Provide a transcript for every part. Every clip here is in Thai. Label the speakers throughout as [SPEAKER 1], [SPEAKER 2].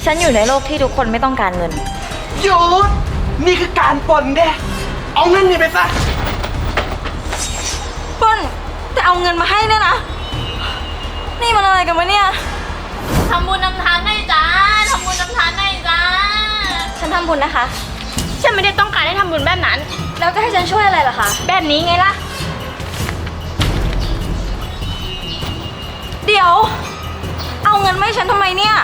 [SPEAKER 1] ฉันอยู่ในโลกที่ทุกคนไม่ต้องการเงิน
[SPEAKER 2] หยุดนี่คือการปล้นเด้เอาเงินนี่ไปซะ
[SPEAKER 1] ปล้นแต่เอาเงินมาให้เนี่ยนะนี่มันอะไรกันวะเนี่ย
[SPEAKER 3] ทำบุญนำทานให้จ้าทำบุญนำทานให้จ้า
[SPEAKER 1] ฉันทำบุญนะคะ
[SPEAKER 3] ฉันไม่ได้ต้องการให้ทำบุญแบบนั้น
[SPEAKER 1] แล้วจะให้ฉันช่วยอะไรล่ะคะ
[SPEAKER 3] แบบนี้ไงล่ะ
[SPEAKER 1] เดี๋ยวเอาเงินมาให้ฉันทำไมเนี่ย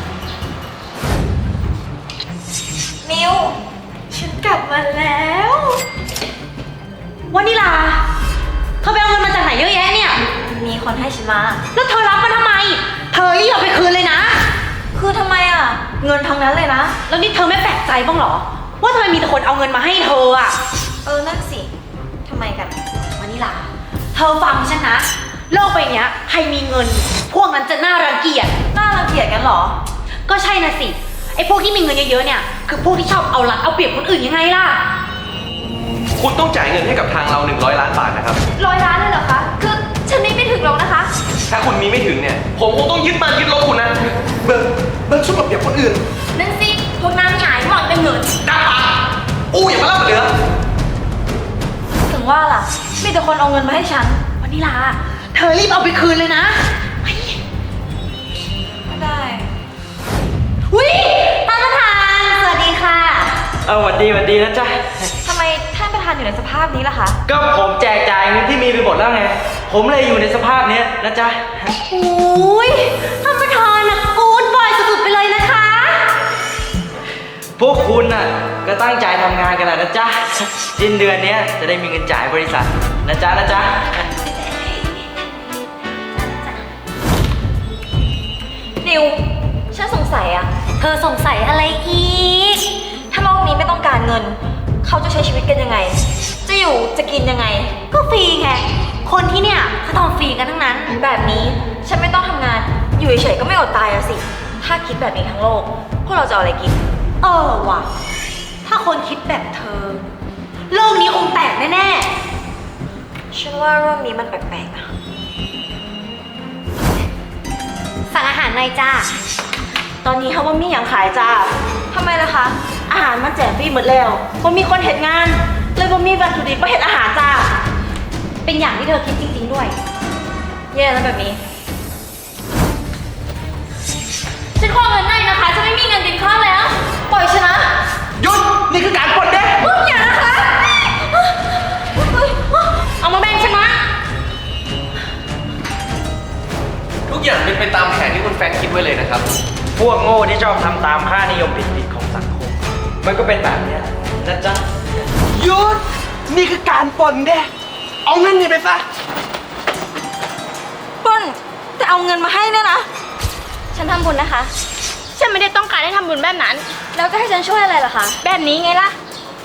[SPEAKER 1] มิวฉันกลับมาแล้ววานิลาเธอไปเอาเงินมาจากไหนเยอะแยะเนี่ยมีคนให้ฉันมาแล้วเธอรับมันทำไมเธอรีบเอาไปคืนเลยนะคือทำไมอ่ะเงินทั้งนั้นเลยนะแล้วนี่เธอไม่แปลกใจบ้างเหรอว่าทำไมมีแต่คนเอาเงินมาให้เธออ่ะนั่นสิทำไมกันวานิลาเธอฟังฉันนะโลกใบนี้ใครมีเงินพวกนั้นจะน่ารังเกียจกันเหรอก็ใช่นะสิไอ้พวกที่มีเงินเยอะๆเนี่ยคือพวกที่ชอบเอารัดเอาเปรียบคนอื่นยังไงล่ะ
[SPEAKER 2] คุณต้องจ่ายเงินให้กับทางเรา100 ล้านบาทนะครับ
[SPEAKER 1] 100 ล้านเลยเหรอคะคือฉันไม่ถึงหรอกนะคะ
[SPEAKER 2] ถ้าคุณมีไม่ถึงเนี่ยผมคงต้องยึดบ้านยึดรถคุณนะเบิร์ชอบเอาเปรียบคนอื่น
[SPEAKER 3] นั่นสิพวกนางหงายหมอนเป็นเงิน
[SPEAKER 2] ด่าปากอย่ามาเล่าเหลือ
[SPEAKER 1] ถึงว่าล่ะมีแต่คนเอาเงินมาให้ฉันวานิลาเธอรีบเอาไปคืนเลยนะไม่ได้อุ๊ยท่านประธานสวัสดีค่ะ
[SPEAKER 4] สวัสดีนะจ๊ะ
[SPEAKER 1] ทำไมท่านประธานอยู่ในสภาพนี้ล่ะคะ
[SPEAKER 4] ก็ผมแจกจ่ายเงินที่มีไปหมดแล้วไงผมเลยอยู่ในสภาพนี้นะจ๊ะ
[SPEAKER 1] โอ้ยท่านประธานนะกู๊ดบอยสุดๆไปเลยนะคะ
[SPEAKER 4] พวกคุณน่ะก็ตั้งใจทำงานกันนะจ๊ะสิ้นเดือนนี้จะได้มีเงินจ่ายบริษัทนะจ๊ะ
[SPEAKER 1] ดิวฉันสงสัยอะเธอสงสัยอะไรอีกถ้าโลกนี้ไม่ต้องการเงินเขาจะใช้ชีวิตกันยังไงจะอยู่จะกินยังไงก็ฟรีไงคนที่เนี่ยเขาทำฟรีกันทั้งนั้นแบบนี้ฉันไม่ต้องทำงานอยู่เฉยๆก็ไม่อดตายอะสิถ้าคิดแบบนี้ทั้งโลกพวกเราจะเอาอะไรกินว่ะถ้าคนคิดแบบเธอโลกนี้คงแตกแน่ๆฉันว่าเรื่องนี้มันแปลกๆนะสั่งอาหารหน่อยจ้าตอนนี้เขาว่ามีอย่างขายจ้าทำไมล่ะคะอาหารมันแจกฟรีหมดแล้วว่ามีคนเห็นงานเลยว่ามีวัตถุดิบมาเห็นอาหารจ้าเป็นอย่างที่เธอคิดจริงๆด้วยแย่แล้วแบบนี้
[SPEAKER 3] ฉันขอเงินหน่อยนะคะฉันไม่มีเงินกินข้าวแล้ว
[SPEAKER 1] ปล่อยฉันนะ
[SPEAKER 2] หยุดนี่คือการปล้นเด้
[SPEAKER 1] อย่านะคะ
[SPEAKER 3] เอามาแบ่งฉันนะ
[SPEAKER 2] ทุกอย่างเป็นไปตามแผนที่คุณแฟรงค์คิดไว้เลยนะครับ
[SPEAKER 4] พวกโง่ที่ชอบทำตามค่านิยมผิดๆของสังคมมันก็เป็นแบบนี้นะจ๊ะ
[SPEAKER 2] หยุดนี่คือการปล้นเด้เอาเงินนี่ไปซะ
[SPEAKER 1] ปล้นแต่เอาเงินมาให้เนี่ยนะฉันทำบุญนะคะ
[SPEAKER 3] ฉันไม่ได้ต้องการให้ทำบุญแบบนั้น
[SPEAKER 1] แล้วจะให้ฉันช่วยอะไรล่ะคะ
[SPEAKER 3] แบบนี้ไงล่ะ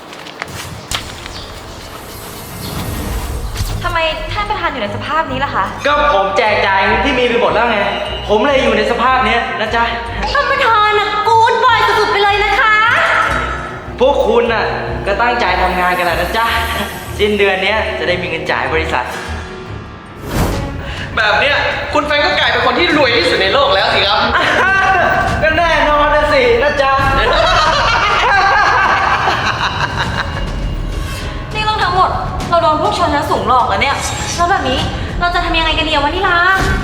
[SPEAKER 1] ทำไมท่านประธานอยู่ในสภาพนี้ล่ะคะ
[SPEAKER 4] ก็ผมแจกจ่ายเงินที่มีไปหมดแล้วไงผมเลยอยู่ในสภาพนี้นะจ๊ะ
[SPEAKER 1] ท่านประธานนะกู๊ดบอยสุดๆไปเลยนะคะ
[SPEAKER 4] พวกคุณน่ะก็ตั้งใจทำงานกันนะจ๊ะสิ้นเดือนนี้จะได้มีเงินจ่ายบริษัท
[SPEAKER 2] แบบเนี้ยคุณแฟรงค์ก็กลายเป็นคนที่รวยที่สุดในโลกแล้วสิครับ
[SPEAKER 4] ก็แน่นอนนะสินะจ๊ะ
[SPEAKER 1] นี่เรื่องทั้งหมดเราโดนพวกชนชั้นสูงหลอกแล้วเนี่ยแล้วแบบนี้เราจะทำยังไงกันดีวะนิลา